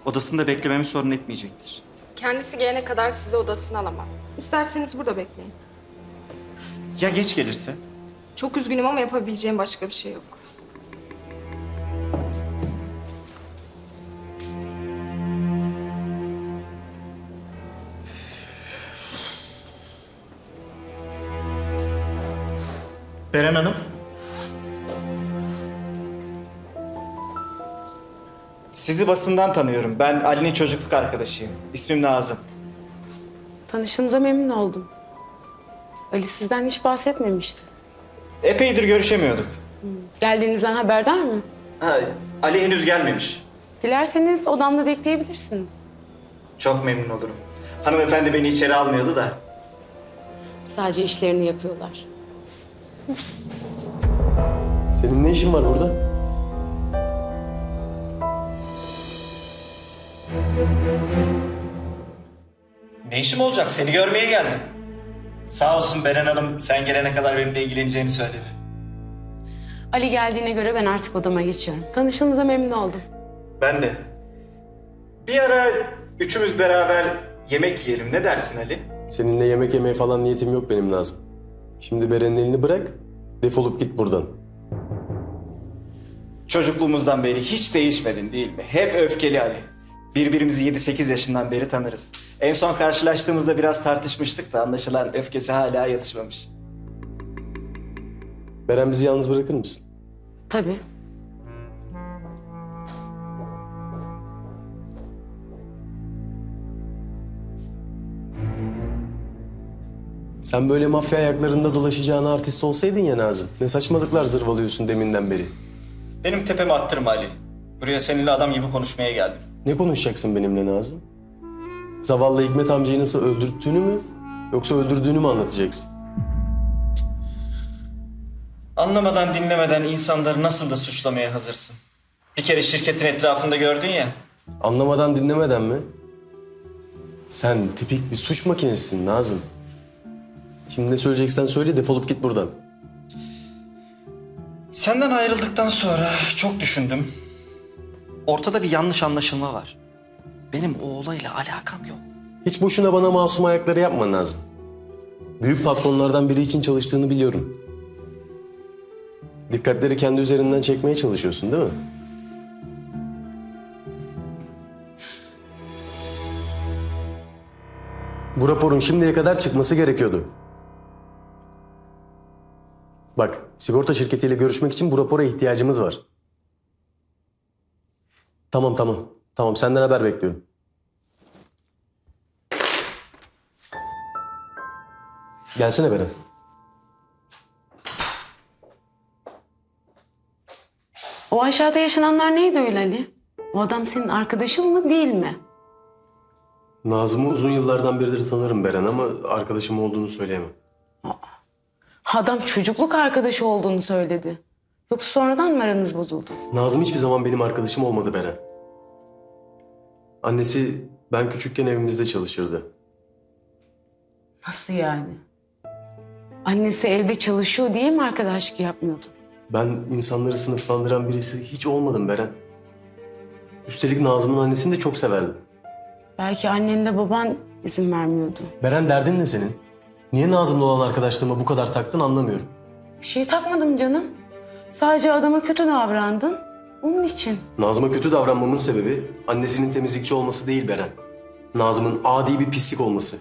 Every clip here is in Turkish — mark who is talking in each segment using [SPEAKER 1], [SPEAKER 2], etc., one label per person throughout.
[SPEAKER 1] Odasında beklememi sorun etmeyecektir.
[SPEAKER 2] Kendisi gelene kadar sizi odasına alamam. İsterseniz burada bekleyin.
[SPEAKER 1] Ya geç gelirse?
[SPEAKER 2] Çok üzgünüm ama yapabileceğim başka bir şey yok.
[SPEAKER 1] Beren Hanım. Sizi basından tanıyorum. Ben Ali'nin çocukluk arkadaşıyım. İsmim Nazım.
[SPEAKER 3] Tanıştığınıza memnun oldum. Ali sizden hiç bahsetmemişti.
[SPEAKER 1] Epeydir görüşemiyorduk.
[SPEAKER 3] Geldiğinizden haberdar mı?
[SPEAKER 1] Ha, Ali henüz gelmemiş.
[SPEAKER 3] Dilerseniz odamda bekleyebilirsiniz.
[SPEAKER 1] Çok memnun olurum. Hanımefendi beni içeri almıyordu da.
[SPEAKER 3] Sadece işlerini yapıyorlar.
[SPEAKER 4] Senin ne işin var burada?
[SPEAKER 1] Ne işim olacak? Seni görmeye geldim. Sağ olsun Beren Hanım sen gelene kadar benimle ilgileneceğini söyledi.
[SPEAKER 3] Ali geldiğine göre ben artık odama geçiyorum. Tanıştığınıza memnun oldum.
[SPEAKER 1] Ben de. Bir ara üçümüz beraber yemek yiyelim. Ne dersin Ali?
[SPEAKER 4] Seninle yemek yemeye falan niyetim yok benim Nazım. Şimdi Beren'in elini bırak, defolup git buradan.
[SPEAKER 1] Çocukluğumuzdan beri hiç değişmedin değil mi? Hep öfkeli Ali. Birbirimizi 7-8 yaşından beri tanırız. En son karşılaştığımızda biraz tartışmıştık da anlaşılan öfkesi hala yatışmamış.
[SPEAKER 4] Beren bizi yalnız bırakır mısın?
[SPEAKER 3] Tabii.
[SPEAKER 4] Sen böyle mafya ayaklarında dolaşacağın artist olsaydın ya Nazım. Ne saçmalıklar zırvalıyorsun deminden beri.
[SPEAKER 1] Benim tepeme attırma Ali. Buraya seninle adam gibi konuşmaya geldim.
[SPEAKER 4] Ne konuşacaksın benimle Nazım? Zavallı Hikmet amcayı nasıl öldürttüğünü mü yoksa öldürdüğünü mü anlatacaksın?
[SPEAKER 1] Anlamadan dinlemeden insanları nasıl da suçlamaya hazırsın. Bir kere şirketin etrafında gördün ya.
[SPEAKER 4] Anlamadan dinlemeden mi? Sen tipik bir suç makinesisin Nazım. Şimdi ne söyleyeceksen söyle, defolup git buradan.
[SPEAKER 1] Senden ayrıldıktan sonra çok düşündüm. Ortada bir yanlış anlaşılma var. Benim o olayla alakam yok.
[SPEAKER 4] Hiç boşuna bana masum ayakları yapma Nazım. Büyük patronlardan biri için çalıştığını biliyorum. Dikkatleri kendi üzerinden çekmeye çalışıyorsun değil mi? Bu raporun şimdiye kadar çıkması gerekiyordu. Bak, sigorta şirketiyle görüşmek için bu rapora ihtiyacımız var. Tamam. Tamam, senden haber bekliyorum. Gelsene Beren.
[SPEAKER 3] O aşağıda yaşananlar neydi öyle Ali? O adam senin arkadaşın mı değil mi?
[SPEAKER 4] Nazım'ı uzun yıllardan beridir tanırım Beren ama arkadaşım olduğunu söyleyemem.
[SPEAKER 3] Adam çocukluk arkadaşı olduğunu söyledi. Yoksa sonradan mı aranız bozuldu?
[SPEAKER 4] Nazım hiçbir zaman benim arkadaşım olmadı Beren. Annesi ben küçükken evimizde çalışırdı.
[SPEAKER 3] Nasıl yani? Annesi evde çalışıyor diye mi arkadaşlık yapmıyordu?
[SPEAKER 4] Ben insanları sınıflandıran birisi hiç olmadım Beren. Üstelik Nazım'ın annesini de çok severdim.
[SPEAKER 3] Belki annenle baban izin vermiyordu.
[SPEAKER 4] Beren, derdin ne senin? Niye Nazım'la olan arkadaşlığıma bu kadar taktın anlamıyorum.
[SPEAKER 3] Bir şey takmadım canım. Sadece adama kötü davrandın. Onun için.
[SPEAKER 4] Nazım'a kötü davranmamın sebebi annesinin temizlikçi olması değil Beren. Nazım'ın adi bir pislik olması.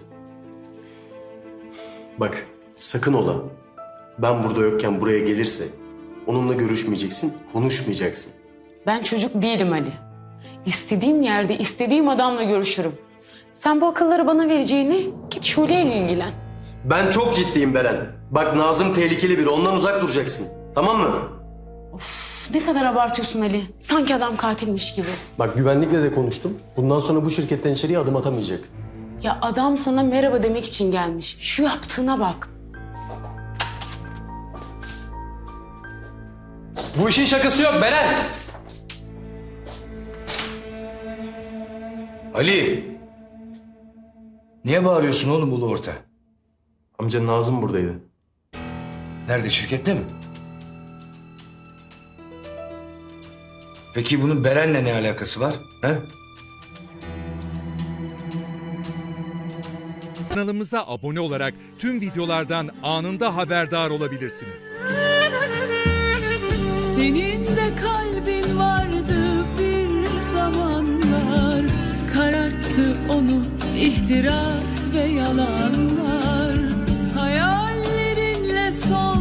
[SPEAKER 4] Bak, sakın ola. Ben burada yokken buraya gelirse onunla görüşmeyeceksin, konuşmayacaksın.
[SPEAKER 3] Ben çocuk değilim Ali. İstediğim yerde, istediğim adamla görüşürüm. Sen bu akılları bana vereceğini git Şule ile ilgilen.
[SPEAKER 4] Ben çok ciddiyim Beren. Bak, Nazım tehlikeli biri, ondan uzak duracaksın. Tamam mı?
[SPEAKER 3] Ne kadar abartıyorsun Ali. Sanki adam katilmiş gibi.
[SPEAKER 4] Bak, güvenlikle de konuştum. Bundan sonra bu şirketten içeriye adım atamayacak.
[SPEAKER 3] Ya adam sana merhaba demek için gelmiş. Şu yaptığına bak.
[SPEAKER 4] Bu işin şakası yok Beren.
[SPEAKER 5] Ali! Niye bağırıyorsun oğlum ulu orta?
[SPEAKER 4] Amca, Nazım buradaydı.
[SPEAKER 5] Nerede, şirkette mi? Peki bunun Beren'le ne alakası var? He?
[SPEAKER 6] Kanalımıza abone olarak tüm videolardan anında haberdar olabilirsiniz.
[SPEAKER 7] Senin de kalbin vardı bir zamanlar, kararttı onu ihtiras ve yalanlar. Hayallerinle son